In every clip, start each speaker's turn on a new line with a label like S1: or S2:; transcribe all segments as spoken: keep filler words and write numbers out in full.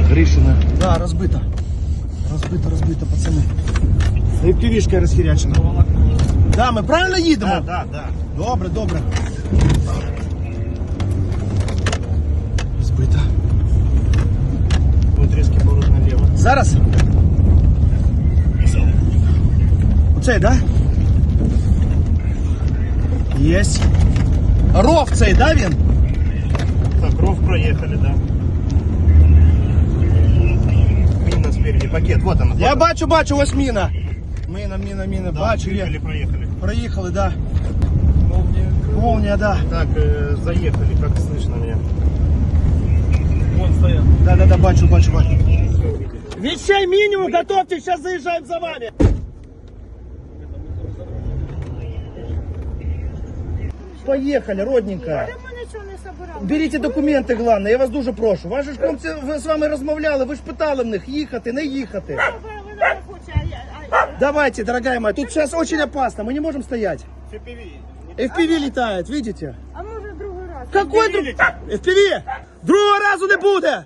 S1: Гришина. Да, розбита. Розбита, розбита, пацани. І півішка розхірячена. Да, ми правильно їдемо?
S2: Да, да, да.
S1: Добре, добре. Розбита.
S2: Вот резкий поворот налево.
S1: Зараз? Оцей, да? Єсть. Ров цей, да, він?
S2: Так, ров проехали, да. Мина спереди, пакет, вот она.
S1: Я бачу, бачу, ось міна. Міна, міна, міна,
S2: Да,
S1: бачу
S2: проехали,
S1: я.
S2: проехали.
S1: Проїхали, да. Молния, да.
S2: Так, э, заехали, как слышно меня.
S1: Вон стоят. Да, да, да, бачу, бачу, бачу. Вещей минимум, готовьте, сейчас заезжаем за вами. Поехали, родненькая. Беріть документи, головне, я вас дуже прошу. Ваші ж хлопці, ви з вами розмовляли, ви ж питали в них, їхати, не їхати. Давайте, дорогая моя, тут сейчас очень опасно, мы не можем стоять. эф пі ві летает, видите?
S3: А може другий раз?
S1: Какой друг? эф пі ві? Другого разу не буде!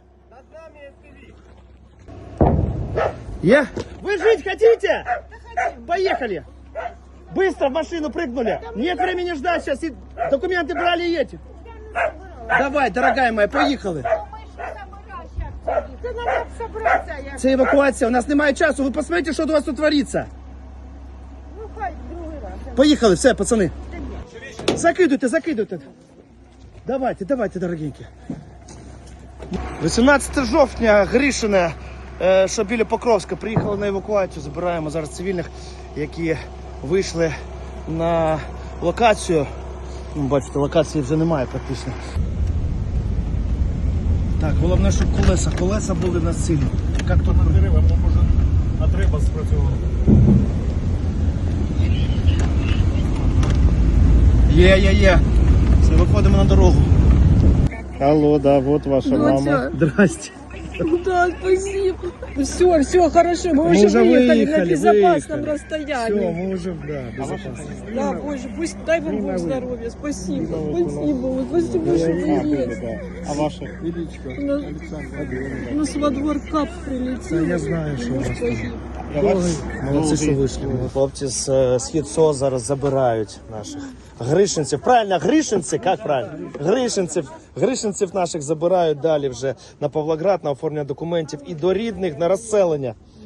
S1: Е? Вы жить хотите? Поехали! Быстро в машину прыгнули. Нет времени ждать сейчас. И документы брали и едете. Давай, дорогая моя, поїхали.
S3: Це треба собратися. як-
S1: Це евакуація, у нас немає часу. Ви посмотрите, що у вас тут твориться.
S3: Ну хай другий раз.
S1: Поїхали, все, пацани. Закидуйте, закидуйте. Давайте, давайте, дорогенькі. вісімнадцяте жовтня, Гришине, е, що біля Покровська, приїхали на евакуацію. Забираємо зараз цивільних, які вийшли на локацію. Ну, бачите, локації вже немає практично. Так, головне, щоб колеса, колеса були в нас цілі. Як тут
S2: Дерева, може, отриба спрацювала.
S1: Є, є, є. Все, виходимо на дорогу.
S2: Алло, да, вот ваша
S3: Доця.
S1: Здрасте.
S3: Да, спасибо. Все, все хорошо. Мы,
S1: Мы
S3: уже
S1: уже
S3: выехали,
S1: выехали,
S3: на безопасном
S1: выехали.
S3: расстоянии.
S1: Все, мы уже, да, безопасно.
S3: Да, Боже, пусть дай вам Бог здоровья. Спасибо. Спасибо. Вот спасибо, что вы есть.
S2: А ваша?
S3: У нас, у нас во двор кап прилетел.
S1: Я знаю, що у вас.
S3: Погиб.
S1: Молодці, що вийшли. Хлопці з е, Схід СО зараз забирають наших гришинців. Правильно, гришинці? Як правильно? Гришинців. Гришинців наших забирають далі вже на Павлоград, на оформлення документів і до рідних, на розселення.